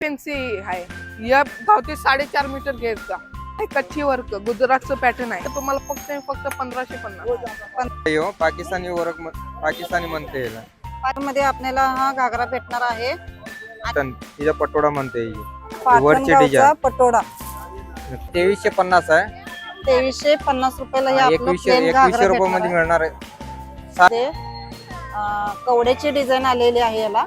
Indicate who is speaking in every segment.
Speaker 1: Fancy आहे या धावते 4.5 मीटर घेतचा कच्ची वर्क गुजरातचं पॅटर्न आहे तुम्हाला फक्त 1550
Speaker 2: पाकिस्तानी वर्क पाकिस्तानी म्हणते याला
Speaker 3: मध्ये आपल्याला हा घागरा भेटणार आहे
Speaker 2: तिचा पटोडा म्हणते ही. वरची
Speaker 3: पाटणगावचा
Speaker 2: डिझाइन
Speaker 3: पटोडा
Speaker 2: 2350 आहे
Speaker 3: 2350 रुपयाला हे आपलं
Speaker 2: 2100
Speaker 3: प्लेन घागरा
Speaker 2: रुपये मध्ये
Speaker 3: भेटणार
Speaker 2: मिळणार आहे
Speaker 3: आहे. कवड्याची डिझाईन आलेली आहे याला.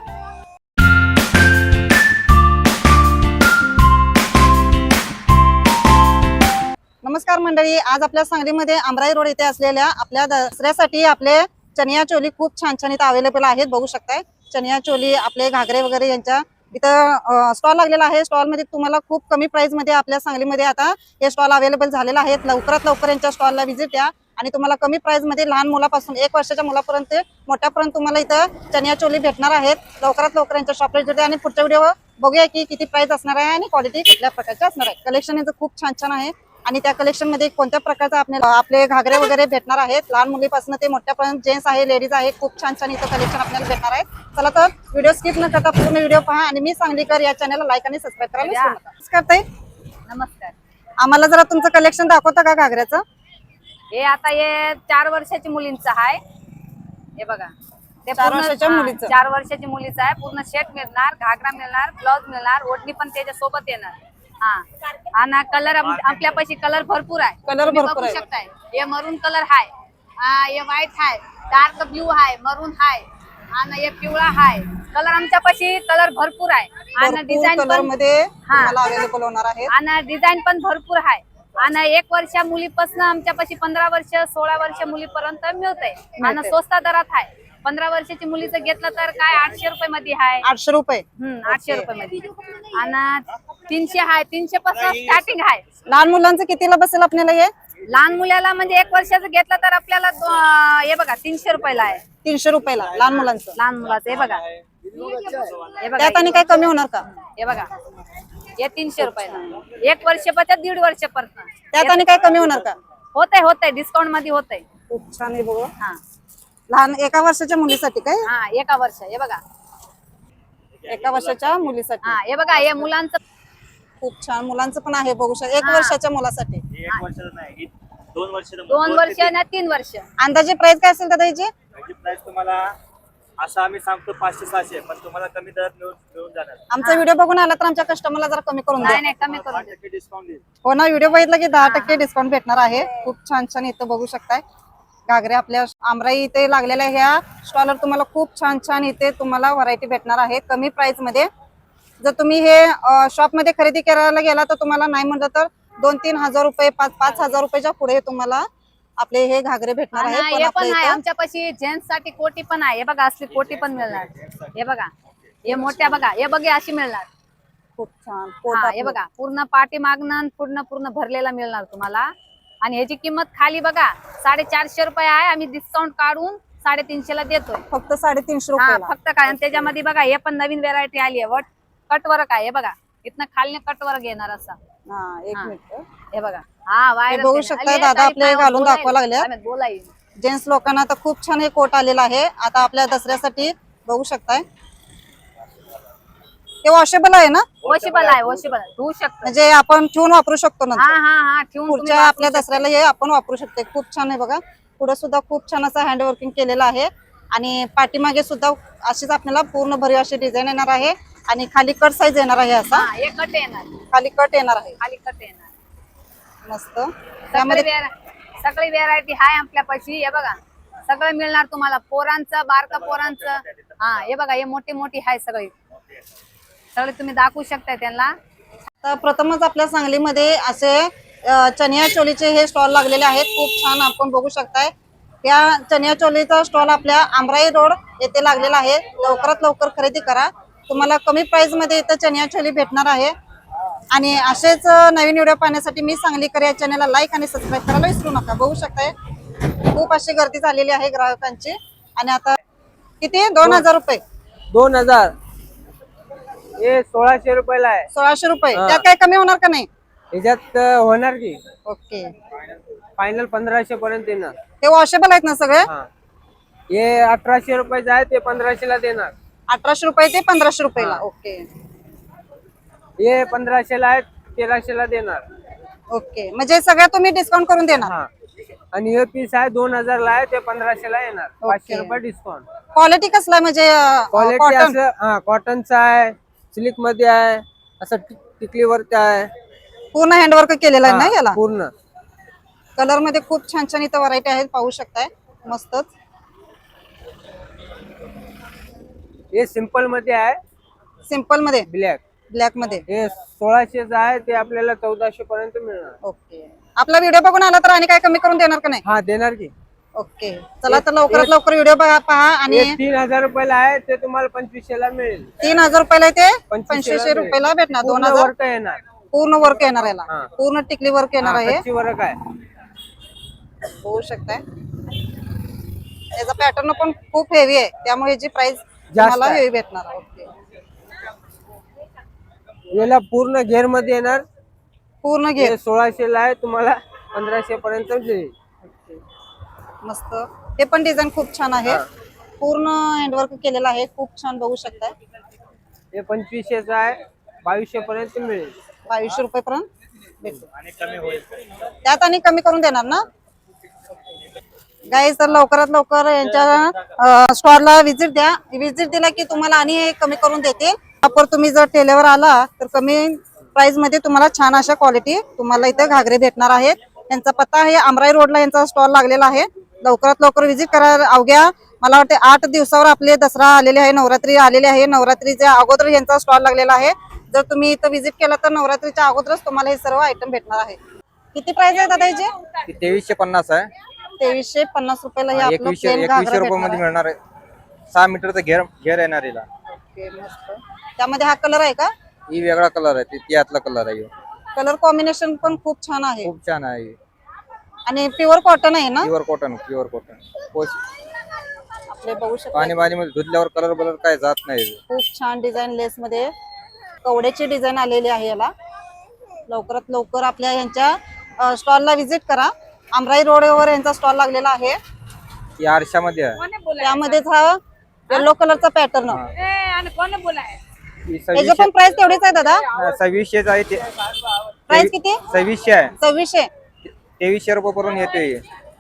Speaker 3: नमस्कार मंडळी, आज आपल्या सांगलीमध्ये आमराई रोड येथे असलेल्या आपल्या दसऱ्यासाठी आपले चनिया चोली खूप छान छान इथं अवेलेबल आहेत. बघू शकताय चनिया चोली आपले घागरे वगैरे यांच्या इथं स्टॉल लागलेला आहे. स्टॉल मध्ये तुम्हाला खूप कमी प्राइस मध्ये आपल्या सांगलीमध्ये आता हे स्टॉल अवेलेबल झालेला आहे. लवकरात लवकर यांच्या स्टॉलला व्हिजिट द्या आणि तुम्हाला कमी प्राइस मध्ये लहान मुलापासून 1 वर्षाच्या मुलापर्यंत मोठ्यापर्यंत तुम्हाला इथं चनिया चोली भेटणार आहेत. लवकरात लवकर यांच्या शॉपला व्हिजिट द्या आणि पुढच्या व्हिडिओ बघूया की किती प्राइस असणार आहे आणि क्वालिटी कुठल्या प्रकारची असणार आहे. कलेक्शन यांचं खूप छान छान आहे आणि त्या कलेक्शन मध्ये कोणत्या प्रकारचा आपले घागरे वगैरे भेटणार आहेत. लहान मुलीपासून ते मोठ्यापर्यंत जेंट्स आहे, लेडीज आहे, खूप छान छान इथं कलेक्शन आपल्याला भेटणार आहे. चला तर व्हिडिओ स्किप न करता पूर्ण व्हिडिओ पहा आणि मी सांगलीकर या चॅनलला लाईक आणि सबस्क्राईब करायला विसरू नका. नमस्कार ताई.
Speaker 4: नमस्कार.
Speaker 3: आम्हाला जरा तुमचं कलेक्शन दाखवता का घागऱ्याचं?
Speaker 4: हे आता हे 4 वर्षाची मुलींचं आहे. हे बघा ते
Speaker 3: 4 वर्षाच्या मुलीचं.
Speaker 4: 4 वर्षाची मुलीचं आहे. पूर्ण सेट मिळणार, घागरा मिळणार, ब्लाउज मिळणार, ओढणी पण त्याच्या सोबत येणार. हा आणि कलर आपल्यापाशी कलर भरपूर आहे.
Speaker 3: कलर
Speaker 4: तुम्ही
Speaker 3: भरपूर
Speaker 4: बघू
Speaker 3: आहे.
Speaker 4: शकताय. हे मरून कलर आहे, हे व्हाईट आहे, डार्क ब्ल्यू आहे, मरून आहे आणि हे पिवळा आहे. कलर आमच्यापाशी कलर भरपूर आहे आणि डिझाईन
Speaker 3: कलर
Speaker 4: पण
Speaker 3: मध्ये तुम्हाला अवेलेबल होणार आहे
Speaker 4: आणि डिझाईन पण भरपूर आहे. आणि 1 वर्षा मुलीपासून आमच्यापाशी 15 वर्ष 16 वर्ष मुलीपर्यंत मिळते आणि स्वस्त दरात आहे. 15 वर्षाची मुलीचं घेतलं तर काय 800 रुपये मध्ये आहे.
Speaker 3: 800 रुपये.
Speaker 4: 800 रुपये मध्ये आणि 300 आहे. 300 पासून स्टार्टिंग आहे.
Speaker 3: लहान मुलांचं कितीला बसेल आपल्याला हे?
Speaker 4: लहान मुलाला म्हणजे 1 वर्षाचं घेतलं तर आपल्याला हे बघा 300 रुपयाला आहे.
Speaker 3: 300 रुपयाला लहान मुलांचं.
Speaker 4: लहान मुलाचं हे बघा, हे बघा,
Speaker 3: त्यात आणि काय कमी होणार का?
Speaker 4: हे बघा हे 300 रुपयाला 1 वर्षापासून 1.5 वर्षापर्यंत.
Speaker 3: त्यात आणि काय कमी होणार का?
Speaker 4: होतंय डिस्काउंट मध्ये होतंय.
Speaker 3: खूप छान आहे बघा.
Speaker 4: हा
Speaker 3: लहान 1 वर्षाच्या मुलीसाठी काय?
Speaker 4: हा 1 वर्ष. हे बघा
Speaker 3: 1 वर्षाच्या मुलीसाठी.
Speaker 4: हा हे बघा हे मुलांचं
Speaker 3: खूप छान मुलांचं पण आहे बघू शकता. 1 वर्षाच्या मुलासाठी.
Speaker 5: 1 वर्षाचं नाही 2 वर्ष
Speaker 4: 2 वर्ष आणि 3 वर्ष.
Speaker 3: अंदाजे प्राइस काय असेल दादा याची?
Speaker 5: प्राइस तुम्हाला असं आम्ही सांगतो 500-600 पण तुम्हाला कमी दरात मिळून जाणार.
Speaker 3: आमचा व्हिडिओ बघून आला तर आमच्या कस्टमरला जरा कमी करून द्या.
Speaker 4: नाही कमी करून देऊ.
Speaker 5: 5% डिस्काउंट देईल.
Speaker 3: हो ना, व्हिडिओ बघितला की 10% डिस्काउंट भेटणार आहे. खूप छान छान इथं बघू शकताय घागरे आपल्या आमराई इथे लागलेल्या ह्या स्टॉलवर तुम्हाला खूप छान छान इथे तुम्हाला व्हरायटी भेटणार आहे कमी प्राइस मध्ये. जर तुम्ही हे शॉप मध्ये खरेदी करायला गेला तर तुम्हाला नाही म्हटलं तर 2-3 हजार रुपये 5-5 हजार रुपयाच्या पुढे तुम्हाला आपले हे घागरे भेटणार
Speaker 4: आणि
Speaker 3: आहे.
Speaker 4: हे पण आहे आमच्यापाशी जेंट्स साठी कोटी पण आहे. हे बघा असली कोटी पण मिळणार. हे बघा हे मोठ्या बघा हे बघे अशी मिळणार.
Speaker 3: खूप छान.
Speaker 4: हा हे बघा पूर्ण पाठी मागणं पूर्ण भरलेला मिळणार तुम्हाला. आणि ह्याची किंमत खाली बघा 450 रुपये आहे. आम्ही डिस्काउंट काढून 350 ला देतोय.
Speaker 3: फक्त 350
Speaker 4: हा
Speaker 3: रुपये.
Speaker 4: फक्त काय. आणि त्याच्यामध्ये बघा हे पण नवीन व्हेरायटी आली आहे. कटवर्क आहे. हे बघा इथनं खाली कटवर्क येणार असा.
Speaker 3: हा 1 मिनिट.
Speaker 4: हे बघा हा वायर
Speaker 3: बघू शकताय दादा आपले घालून दाखवा लागले.
Speaker 4: बोलाय
Speaker 3: जेंट्स लोकांना तर खूप छान हे कोट आलेला आहे आता आपल्या दसऱ्यासाठी. बघू शकताय ते वॉशेबल आहे ना?
Speaker 4: वॉशेबल आहे. धुवू शकतो
Speaker 3: म्हणजे आपण ठेवून वापरू शकतो ना.
Speaker 4: हा ठेवून
Speaker 3: पुढच्या आपल्या दसऱ्याला हे आपण वापरू शकतो. खूप छान आहे बघा. पुढे सुद्धा खूप छान असं हँड वर्किंग केलेलं आहे आणि पाठीमागे सुद्धा अशीच आपल्याला पूर्ण भरीव अशी डिझाईन येणार आहे आणि खाली कट साईज येणार आहे. असा
Speaker 4: एक कट येणार,
Speaker 3: खाली कट येणार आहे.
Speaker 4: खाली कट येणार.
Speaker 3: मस्त. त्यामध्ये
Speaker 4: सगळी व्हेरायटी आहे आपल्यापाशी. हे बघा सगळं मिळणार तुम्हाला. पोरांचं बारका पोरांचं. हा हे बघा हे मोठी आहे सगळी तुम्ही दाखवू शकता त्यांना.
Speaker 3: तर प्रथमच आपल्या सांगलीमध्ये असे चनिया चोलीचे हे स्टॉल लागलेले आहेत. खूप छान आपण बघू शकताय. या चनिया चोलीचा स्टॉल आपल्या आमराई रोड येथे लागलेला आहे. लवकरात लवकर खरेदी करा. तुम्हाला कमी प्राइस मध्ये इथं चनिया चोली भेटणार आहे. आणि असेच नवीन व्हिडिओ पाहण्यासाठी मी सांगलीकर या चॅनलला लाईक आणि सबस्क्राईब करायला विसरू नका. बघू शकताय खूप अशी गर्दी झालेली आहे ग्राहकांची. आणि आता किती 2000 रुपये
Speaker 2: 2000 हे 1600 रुपयाला आहे.
Speaker 3: 1600 रुपये. त्यात काय कमी होणार का नाही?
Speaker 2: याच्यात होणार की
Speaker 3: ओके.
Speaker 2: फायनल 1500 पर्यंत येणार.
Speaker 3: हे वॉशेबल आहेत ना सगळे?
Speaker 2: हे 1800 रुपयाचं आहे ते 1500 ला देणार.
Speaker 3: 1800 रुपये ते 1500 रुपयाला. ओके.
Speaker 2: हे 1500ला आहे, 1300ला देणार.
Speaker 3: ओके, म्हणजे सगळ्या तुम्ही डिस्काउंट करून देणार.
Speaker 2: हा, आणि हे पीस आहे 2000ला आहे, ते 1500ला येणार. 500
Speaker 3: ओके.
Speaker 2: रुपये डिस्काउंट.
Speaker 3: क्वालिटी कसला आहे म्हणजे
Speaker 2: क्वालिटी
Speaker 3: कॉटन?
Speaker 2: असं हा कॉटनचा आहे, सिल्क मध्ये आहे, असं टिकलीवरती आहे.
Speaker 3: पूर्ण हँडवर्क केलेलं आहे ना
Speaker 2: हा,
Speaker 3: याला?
Speaker 2: पूर्ण.
Speaker 3: कलर मध्ये खूप छान छान इथं व्हरायटी आहेत, पाहू शकताय. मस्तच.
Speaker 2: हे सिंपल मध्ये आहे,
Speaker 3: सिंपल मध्ये,
Speaker 2: ब्लॅक.
Speaker 3: ब्लॅक मध्ये.
Speaker 2: हे 1600चं आहे, ते आपल्याला 1400 पर्यंत मिळणार.
Speaker 3: ओके, आपला व्हिडिओ बघून आला तर आणि काय कमी करून देणार का नाही?
Speaker 2: हा, देणार की.
Speaker 3: ओके, चला तर लवकरात लवकर व्हिडिओ पहा. आणि
Speaker 2: हे 3000 रुपयाला आहे, ते तुम्हाला 2500ला मिळेल.
Speaker 3: 3000 रुपयाला ते
Speaker 2: 2500
Speaker 3: 2500 रुपयाला भेटणार.
Speaker 2: पूर्ण
Speaker 3: 2000
Speaker 2: वर्क येणार.
Speaker 3: पूर्ण वर्क येणार याला.
Speaker 2: हा.
Speaker 3: पूर्ण टिकली वर्क येणार आहे,
Speaker 2: कच्ची वर्क आहे.
Speaker 3: होऊ शकताय. याचा पॅटर्न पण खूप हेवी आहे, त्यामुळे याची प्राइस तुम्हाला
Speaker 2: आहे.
Speaker 3: हेवी भेटणार. ओके,
Speaker 2: याला पूर्ण घेर मध्ये येणार.
Speaker 3: पूर्ण घे.
Speaker 2: हे 1600ला आहे, तुम्हाला 1500 पर्यंत देईल.
Speaker 3: मस्त. हे पण डिझाईन खूप छान आहे,
Speaker 2: हा.
Speaker 3: पूर्ण हँडवर्क केलेलं आहे, खूप छान बघू शकताय.
Speaker 2: हे 2500चं आहे, 2200 पर्यंत मिळेल.
Speaker 3: 2200 रुपये पर्यंत भेटतो.
Speaker 5: आणि कमी होईल.
Speaker 3: त्यात आणि कमी करून देणार ना गाईज? तर लवकरात लवकर यांच्या स्टॉलला व्हिजिट द्या. व्हिजिट दिला की तुम्हाला आणि हे कमी करून देतील. वापर तुम्ही जर टेलेवर आला तर कमी प्राइस मध्ये तुम्हाला छान अशा क्वालिटी तुम्हाला इथे घागरे भेटणार आहेत. यांचा पत्ता आहे आमराई रोडला यांचा स्टॉल लागलेला आहे. लवकरात लवकर व्हिजिट करा. अवघ्या मला वाटते 8 दिवसावर आपले दसरा आलेले आहे, नवरात्री आलेले आहे. नवरात्रीच्या अगोदर यांचा स्टॉल लागलेला आहे. जर तुम्ही इथं व्हिजिट केला तर नवरात्रीच्या अगोदरच तुम्हाला हे सर्व आयटम भेटणार आहे. किती प्राइस आहे दादा याचे?
Speaker 6: 2350 आहे.
Speaker 3: 2350 रुपयाला हे आपलं
Speaker 6: 2100
Speaker 3: प्लेन घागरा
Speaker 6: रुपये मध्ये
Speaker 3: भेटणार
Speaker 6: मिळणार आहे. 6 मीटरचा घेर येणार याला.
Speaker 3: आहे. मस्त. त्यामध्ये हा कलर आहे का?
Speaker 6: ही वेगळा कलर आहे, ती यातला कलर आहे.
Speaker 3: कलर कॉम्बिनेशन पण खूप छान आहे
Speaker 6: खूप छान आहे.
Speaker 3: आणि प्युअर कॉटन आहे ना?
Speaker 6: Pure cotton.
Speaker 3: आपले बघू शकता
Speaker 6: पाणी मध्ये धुतल्यावर कलर काय जात नाही.
Speaker 3: खूप छान डिझाईन लेस मध्ये कवड्याची डिझाईन आलेली आहे याला. लवकरात लवकर आपल्या यांच्या स्टॉलला व्हिजिट करा. आमराई रोडवर यांचा स्टॉल लागलेला आहे.
Speaker 6: ही आरशामध्ये आहे.
Speaker 3: त्यामध्येच हा येलो कलरचा पॅटर्न.
Speaker 6: ही
Speaker 3: याची पण प्राइस तेवढीच आहे दादा?
Speaker 6: 2600 आहे ते.
Speaker 3: प्राइस किती?
Speaker 6: 2600 आहे.
Speaker 3: 2600.
Speaker 6: 2300 रुपये पर्यंत येते.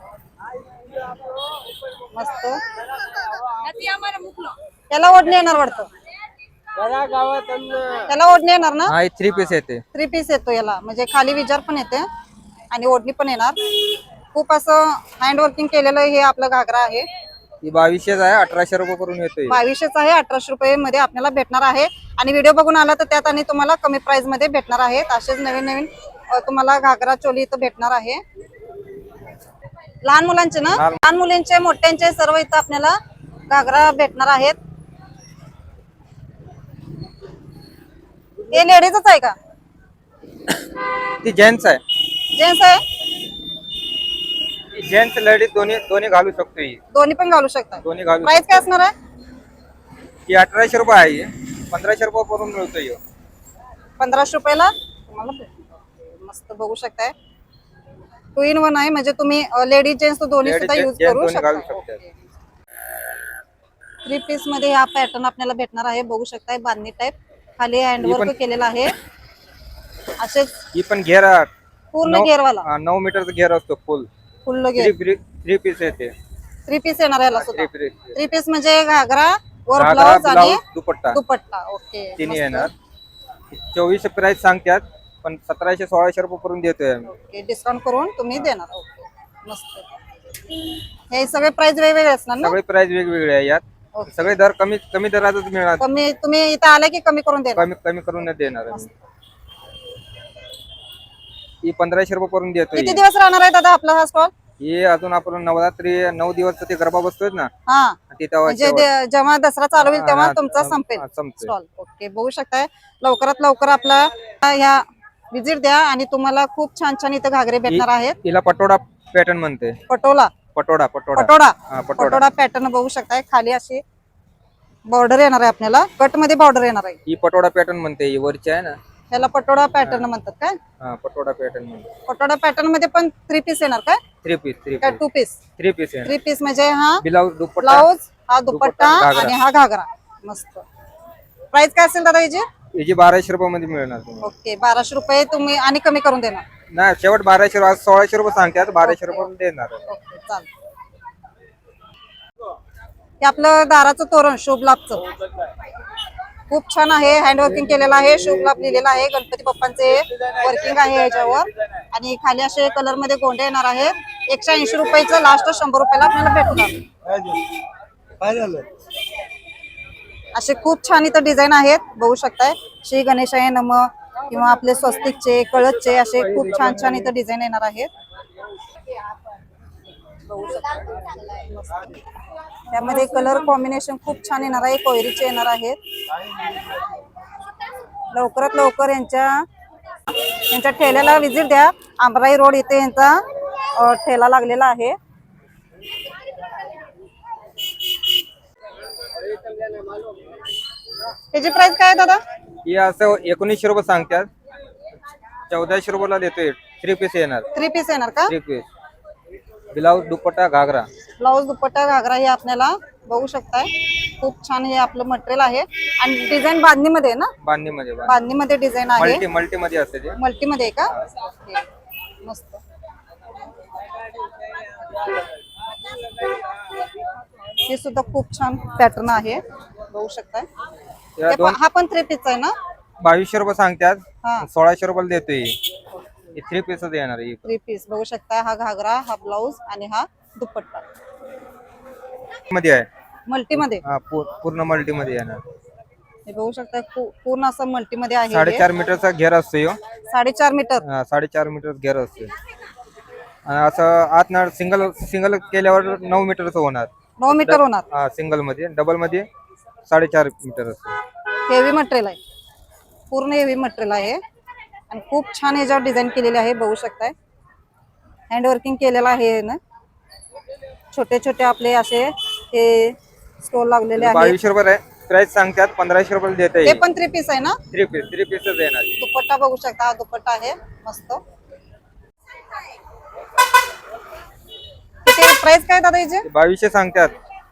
Speaker 3: मस्त. त्याला ओढणी येणार वाटतं. त्याला ओढणी येणार ना?
Speaker 6: हा, 3 पीस येते.
Speaker 3: 3 पीस येतो याला, म्हणजे खाली विजार पण येते आणि ओढणी पण येणार. खूप असं हँड वर्किंग केलेलं हे आपलं घागरा आहे.
Speaker 6: ही 2200 आहे, 1800 रुपये पर्यंत येते.
Speaker 3: 2200 आहे, 1800 रुपये मध्ये आपल्याला भेटणार आहे. आणि व्हिडिओ बघून आला तर त्यात आणि तुम्हाला कमी प्राइस मध्ये भेटणार आहेत. असेच नवीन नवीन तुम्हाला घागरा चोली इथं भेटणार आहे. लहान मुलांचे ना? लहान मुलींचे मोठ्यांचे सर्व इथं आपल्याला घागरा भेटणार आहेत. हे लेडीजच आहे का?
Speaker 6: ती जेंट्स आहे.
Speaker 3: जेंट्स आहे?
Speaker 6: जेंट्स लेडीज दोन्ही घालू शकतो. ही
Speaker 3: दोन्ही पण घालू शकता.
Speaker 6: दोन्ही घालू
Speaker 3: प्राइस काय असणार आहे?
Speaker 6: ही 1800 रुपये आहे. 1500 रुपये पर्यंत मिळतो.
Speaker 3: 1500 रुपयाला तुम्हाला भेटणार. मस्त बघू शकताय. 2 in 1 आहे, म्हणजे तुम्ही लेडीज जेंट्स दोन्ही
Speaker 6: Ladies,
Speaker 3: सुद्धा युज
Speaker 6: gents
Speaker 3: करू
Speaker 6: दोन्ही घालू
Speaker 3: शकता.
Speaker 6: शकतात.
Speaker 3: 3 पीस मध्ये हा पॅटर्न आपल्याला भेटणार आहे. बघू शकताय बांधणी टाइप, खाली हँडवर्क केलेला आहे. असेच
Speaker 6: ही पण घेर
Speaker 3: पूर्ण घेरवाला
Speaker 6: 9 मीटरचा घेर असतो.
Speaker 3: फुल घेर.
Speaker 6: 3 पीस येते.
Speaker 3: 3 पीस येणार याला सुद्धा.
Speaker 6: 3 पीस
Speaker 3: 3 पीस म्हणजे घागरा वर
Speaker 6: घागरा,
Speaker 3: ब्लाउज आणि
Speaker 6: ब्लाउज, दुपट्टा
Speaker 3: दुपट्टा. ओके,
Speaker 6: तिन्ही
Speaker 3: मस्त.
Speaker 6: येणार. 2400 प्राइस सांगतात, पण 1700-1600 रुपये पर्यंत देतोय आम्ही.
Speaker 3: ओके, डिस्काउंट करून तुम्ही देणार. ओके, मस्त. हे सगळे प्राइस वेगवेगळे असणार ना?
Speaker 6: सगळे प्राइस वेगवेगळे आहे यात.
Speaker 3: ओके.
Speaker 6: सगळे दर कमी दरातच मिळणार.
Speaker 3: कमी तुम्ही इथं आले की कमी करून देणार.
Speaker 6: कमी करून नाही देणार आम्ही. ही 1500 रुपये पर्यंत देतोय.
Speaker 3: किती दिवस राहणार आहे दादा आपला हा स्टॉल?
Speaker 6: ही अजून आपण नवरात्री 9 दिवस ते गरबा बसतोय ना,
Speaker 3: हा,
Speaker 6: तिथं
Speaker 3: म्हणजे जेव्हा दसरा चालू होईल तेव्हा
Speaker 6: हा,
Speaker 3: तुमचा
Speaker 6: हा,
Speaker 3: संपेल
Speaker 6: हा, संपतोय.
Speaker 3: स्टॉल. ओके, बघू शकताय. लवकरात लवकर आपला ह्या विजिट द्या आणि तुम्हाला खूप छान छान इथं घागरे भेटणार आहेत.
Speaker 6: हिला पटोडा पॅटर्न म्हणते.
Speaker 3: पटोला
Speaker 6: पटोडा
Speaker 3: पटोडा
Speaker 6: हा, पटोडा.
Speaker 3: पटोडा पॅटर्न बघू शकताय. खाली अशी बॉर्डर येणार आहे आपल्याला, कट मध्ये बॉर्डर येणार आहे.
Speaker 6: ही पटोडा पॅटर्न म्हणते. ही वरची आहे ना,
Speaker 3: ह्याला पटोडा पॅटर्न म्हणतात काय?
Speaker 6: हा, पटोडा पॅटर्न म्हणते.
Speaker 3: पटोडा पॅटर्न मध्ये पण 3 पीस येणार काय?
Speaker 6: 3 पीस
Speaker 3: काय 2 पीस?
Speaker 6: 3 पीस आहे.
Speaker 3: 3 पीस म्हणजे हा
Speaker 6: ब्लाउज, दुपट्टा.
Speaker 3: ब्लाउज, हा दुपट्टा
Speaker 6: घागरा.
Speaker 3: आणि हा घागरा. मस्त. प्राइस काय असेल दादा याची?
Speaker 6: याची 1200 रुपये मध्ये मिळणार तुम्हाला.
Speaker 3: ओके 1200 रुपये तुम्ही आणि कमी करून देणार.
Speaker 6: नाही शेवट 1200, आज 1600 रुपये सांगतात, 1200 रुपये देणार.
Speaker 3: ओके चालेल. हे आपलं दाराचं तोरण शुभ लाभचं खूप छान आहे. हँडवर्किंग केलेलं आहे, शुभ लाभ लिहिलेला आहे. गणपती बाप्पांचे वर्किंग आहे याच्यावर. आणि खाली असे कलर मध्ये गोंडे येणार आहेत. 180 रुपयाचं लास्ट 100 रुपयाला आपल्याला भेटणार. असे खूप छान इथं डिझाईन आहेत बघू शकताय. श्री गणेशाय नमः किंवा आपले स्वस्तिकचे, कळसचे असे खूप छान छान इथं डिझाईन येणार आहेत. त्यामध्ये कलर कॉम्बिनेशन खूप छान येणार आहे. कोयरीचे येणार आहेत. लवकरात लवकर यांच्या ठेल्याला व्हिजिट द्या. आंबराई रोड इथे यांचा ठेला लागलेला आहे. त्याची प्राइस काय आहे दादा?
Speaker 6: हे असं 1900 रुपये सांगतात, 1400 रुपयाला देतोय. 3 पीस येणार.
Speaker 3: 3 पीस येणार का?
Speaker 6: 3 piece blouse, dupatta, ghagra.
Speaker 3: Blouse, dupatta, ghagra हे आपल्याला बघू शकताय. खूप छान हे आपलं मटेरियल आहे. आणि डिझाईन बांधणीमध्ये आहे ना? बांधणीमध्ये डिझाईन आहे.
Speaker 6: मल्टी मध्ये असते ते.
Speaker 3: मल्टी मध्ये आहे का? मस्त. हे सुद्धा खूप छान पॅटर्न आहे बघू शकताय. हा पण 3 पीस आहे ना?
Speaker 6: 2200 रुपये सांगतात,
Speaker 3: हा
Speaker 6: 1600 रुपयाला देतोय. 3 पीसच येणार.
Speaker 3: 3 पीस बघू शकताय. हा घागरा, हा ब्लाउज आणि हा दुपट्टा
Speaker 6: मध्ये आहे.
Speaker 3: मल्टी मध्ये.
Speaker 6: हा पूर्ण मल्टी मध्ये येणार.
Speaker 3: हे बघू शकताय पूर्ण असं मल्टी मध्ये आहे.
Speaker 6: 4.5 मीटरचा घेर असतो.
Speaker 3: 4.5 मीटर.
Speaker 6: 4.5 मीटर घेर असतो. आणि असं आत सिंगल केल्यावर 9 मीटरचं होणार.
Speaker 3: 9 मीटर होणार.
Speaker 6: हा सिंगल मध्ये. डबल मध्ये 4.5 मीटर असतो.
Speaker 3: हेवी मटेरियल आहे. पूर्ण हेवी मटेरियल आहे. आणि खूप छान याच्यावर डिझाईन केलेली आहे बघू शकताय. हँडवर्किंग केलेलं आहे ना. छोटे छोटे आपले असे हे स्टोल लागलेले आहेत.
Speaker 6: 2200 रुपये प्राइस सांगतात, 1500 रुपये देत
Speaker 3: हे पण 3 पीस आहे ना?
Speaker 6: 3 पीसच येणार.
Speaker 3: दुपट्टा बघू शकता. हा दुपट्टा आहे मस्त. किती प्राइस काय दादा याचे?
Speaker 6: 2200 सांगतात,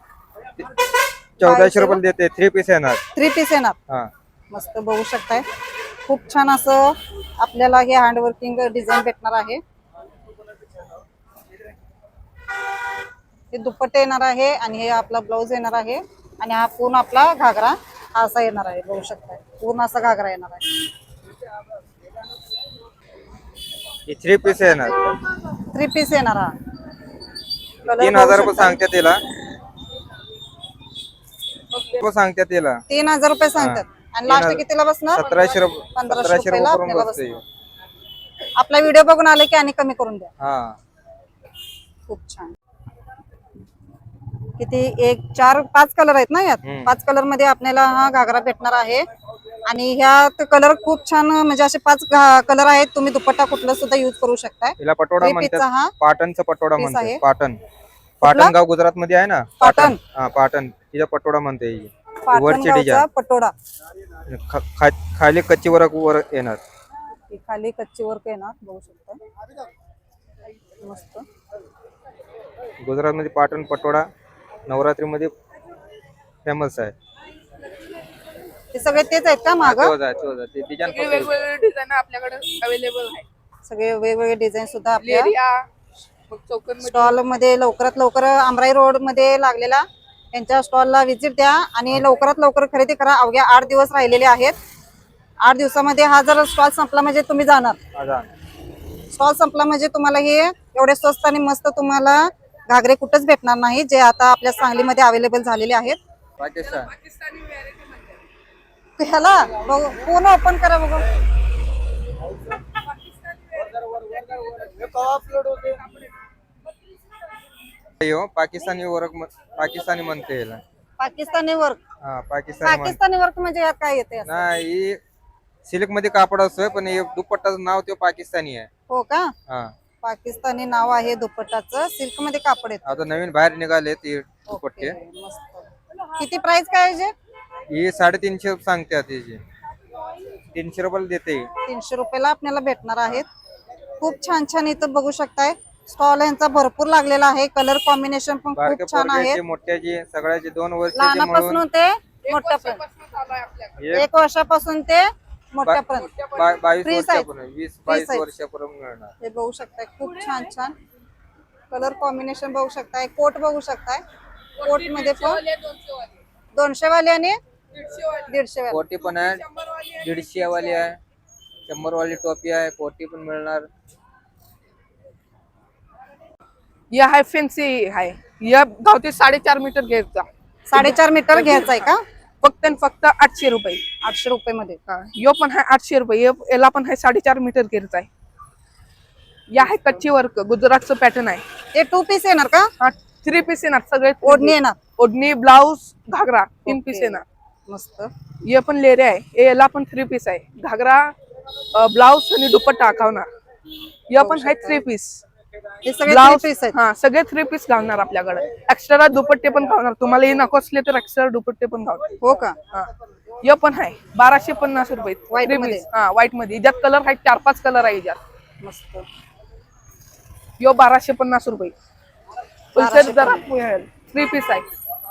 Speaker 6: 1400 रुपये देते. 3 पीस येणार.
Speaker 3: 3 पीस येणार.
Speaker 6: हा
Speaker 3: मस्त बघू शकताय. खूप छान असं आपल्याला हे हँडवर्किंग डिझाईन भेटणार आहे. हे दुपट्टे येणार आहे आणि हे आपला ब्लाउज येणार आहे. आणि हा पूर्ण आपला घागरा असा येणार आहे बघू शकताय. पूर्ण असा घागरा येणार आहे.
Speaker 6: 3 पीस येणार.
Speaker 3: 3 पीस येणार. हा
Speaker 6: 3000 रुपये सांगतात त्याला. सांगतात त्याला
Speaker 3: 3000 रुपये सांगतात. आणि लास्ट कितीला बसणार?
Speaker 6: 1700 रुपये.
Speaker 3: 1500 रुपयाला आपल्याला
Speaker 6: बसते.
Speaker 3: बसणार. आपला व्हिडिओ बघून आले की आणि कमी करून द्या.
Speaker 6: हा
Speaker 3: खूप छान. किती 1 4 5 कलर आहेत ना यात? 5 कलर मध्ये आपल्याला हा घागरा भेटणार आहे. आणि ह्यात कलर खूप छान म्हणजे असे 5 कलर आहेत. तुम्ही दुपट्टा कुठला सुद्धा युज करू शकताय.
Speaker 6: तिला पटोडा म्हणतात. पाटणचा पटोडा
Speaker 3: piece आहे.
Speaker 6: म्हणतात. पाटण गाव गुजरात मध्ये आहे ना.
Speaker 3: पाटण.
Speaker 6: हा पाटण तिचा पटोडा म्हणते.
Speaker 3: पाटणगावचा पटोडा.
Speaker 6: खाली कच्ची वर्क वर येणार.
Speaker 3: खाली कच्ची वर्क येणार बघू शकता. मस्त.
Speaker 6: गुजरात मध्ये पाटण पटोडा नवरात्री मध्ये फेमस आहे.
Speaker 3: ते सगळे तेच आहेत का माग?
Speaker 1: वेगवेगळे डिझाईन आपल्याकडे अवेलेबल आहे.
Speaker 3: सगळे वेगवेगळे डिझाईन सुद्धा आपल्या
Speaker 1: एरिया चौकन
Speaker 3: स्टॉल मध्ये लवकरात लवकर आमराई रोड मध्ये लागलेला यांच्या स्टॉलला व्हिजिट द्या. आणि लवकरात लवकर खरेदी करा. अवघ्या 8 दिवस राहिलेले आहेत. 8 दिवसामध्ये हा जर स्टॉल संपला म्हणजे तुम्ही जाणार. स्टॉल संपला म्हणजे तुम्हाला हे एवढे स्वस्त आणि मस्त तुम्हाला घागरे कुठेच भेटणार नाही, जे आता आपल्या सांगलीमध्ये अवेलेबल झालेले आहेत.
Speaker 1: पाकिस्तानी व्हॅरायटी म्हणतात.
Speaker 3: ह्याला बघू पूर्ण ओपन करा बघू.
Speaker 6: पाकिस्तानी वर्क पाकिस्तानी म्हणते याला.
Speaker 3: पाकिस्तानी वर्क.
Speaker 6: हा पाकिस्तानी
Speaker 3: पाकिस्तानी वर्क म्हणजे यात काय येते?
Speaker 6: नाही सिल्क मध्ये कापड असतोय, पण हे दुपट्टाचं नाव ते पाकिस्तानी आहे.
Speaker 3: हो का?
Speaker 6: हा
Speaker 3: पाकिस्तानी नाव आहे दुपट्टाचं. सिल्क मध्ये कापड येते.
Speaker 6: आता नवीन बाहेर निघाले ते दुपट्टे.
Speaker 3: मस्त. किती प्राइस काय आहे?
Speaker 6: हे 350 सांगतात. त्याची 300 रुपयाला देते.
Speaker 3: 300 रुपयाला आपल्याला भेटणार आहेत. खूप छान छान इथं बघू शकताय. स्टॉल यांचा भरपूर लागलेला आहे. कलर कॉम्बिनेशन पण खूप छान आहे.
Speaker 6: मोठ्याची सगळ्याची 2 वर्षाची
Speaker 3: लहानापासून ते मोठ्यापर्यंत
Speaker 1: आहे आपल्याकडे.
Speaker 3: 1 वर्षापासून ते मोठ्यापर्यंत
Speaker 6: 22
Speaker 3: Free size.
Speaker 6: वर्षापर्यंत 20-22
Speaker 3: size.
Speaker 6: वर्षापर्यंत मिळणार.
Speaker 3: हे बघू शकताय खूप छान छान कलर कॉम्बिनेशन बघू शकताय. कोट बघू शकताय. कोट मध्ये पण 200 वाले आणि 150 वाले.
Speaker 6: कोटी पण आहे, 150 वाली आहे, 100 वाली टोपी आहे, कोटी पण मिळणार.
Speaker 1: या हाय फॅन्सी आहे. या गावठी 4.5 मीटर घ्यायचा.
Speaker 3: 4.5 मीटर घ्यायचा आहे का?
Speaker 1: फक्त आणि फक्त 800 रुपये.
Speaker 3: 800 रुपये मध्ये.
Speaker 1: यो पण आहे 800 रुपये. याला पण आहे 4.5 मीटर घ्यायचा आहे. या आहे कच्ची वर्क गुजरातचं पॅटर्न आहे.
Speaker 3: हे 2 पीस येणार का?
Speaker 1: हा 3 पीस येणार सगळे.
Speaker 3: ओढणी येणार.
Speaker 1: ओढणी ब्लाऊज घागरा 3 पीस
Speaker 3: ओके.
Speaker 1: येणार.
Speaker 3: मस्त.
Speaker 1: ये पण लेरे आहे. याला पण 3 पीस आहे. घागरा ब्लाऊज आणि दुपट्टा टाकावणार. या पण आहे 3 पीस.
Speaker 3: हे सगळे 3
Speaker 1: ब्लाऊज
Speaker 3: पीस आहेत.
Speaker 1: हा सगळे 3 पीस घालणार आपल्याकडे. एक्स्ट्रा दुपट्टे पण घालणार. तुम्हाला हे नको असले तर एक्स्ट्रा दुपट्टे पण घालणार.
Speaker 3: हो का?
Speaker 1: हा ये पण आहे 1250 रुपये.
Speaker 3: White
Speaker 1: 3
Speaker 3: मध्ये?
Speaker 1: पीस. हा व्हाईट मध्ये. याच्यात कलर आहे 4-5 कलर आहे याच्यात.
Speaker 3: मस्त.
Speaker 1: यो 1250 रुपये.
Speaker 3: 1250.
Speaker 1: जरा 3 पीस आहे.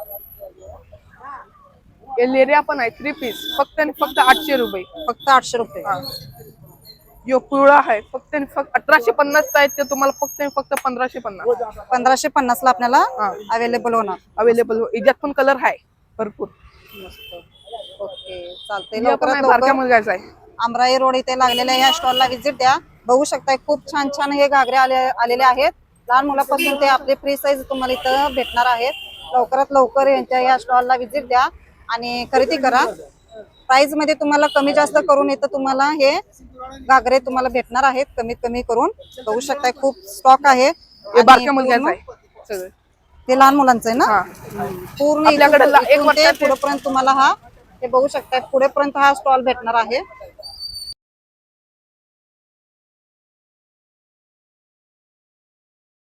Speaker 1: हे लेरिया पण आहे 3 पीस. फक्त आणि फक्त 800 रुपये.
Speaker 3: फक्त 800 रुपये.
Speaker 1: हा. यो पिवळा आहे फक्त आणि फक्त 1850 चा आहे. ते तुम्हाला फक्त आणि फक्त 1550
Speaker 3: 1550 ला आपल्याला
Speaker 1: हा.
Speaker 3: अवेलेबल होणार.
Speaker 1: अवेलेबल. याच्यात पण कलर आहे भरपूर.
Speaker 3: मस्त. ओके चालतंय.
Speaker 1: या पण
Speaker 3: लवकरात
Speaker 1: आहे बारक्या
Speaker 3: लवकर
Speaker 1: मुलगाचा आहे.
Speaker 3: आमराई रोड इथे लागलेल्या या स्टॉलला व्हिजिट द्या. बघू शकताय खूप छान छान हे घागरे आलेले आहेत. लहान मुलापासून ते आपले फ्री साईज तुम्हाला इथं भेटणार आहेत. लवकरात लवकर यांच्या या स्टॉलला व्हिजिट द्या आणि खरेदी करा. प्राइस मध्ये तुम्हाला कमी जास्त करून इथं तुम्हाला हे घागरे तुम्हाला भेटणार आहेत कमीत कमी करून. बघू शकताय खूप स्टॉक आहे.
Speaker 1: हे
Speaker 3: आणि
Speaker 1: बारक्या मुलगाचा
Speaker 3: पूर्ण-
Speaker 1: आहे सगळं.
Speaker 3: हे लहान मुलांचं आहे ना?
Speaker 1: हा
Speaker 3: पूर्ण
Speaker 1: आपल्याकडे
Speaker 3: इथून-
Speaker 1: एक
Speaker 3: इथून ते
Speaker 1: वर्षाचे-
Speaker 3: पुढेपर्यंत तुम्हाला हा हे बघू शकताय पुढेपर्यंत हा स्टॉल भेटणार आहे.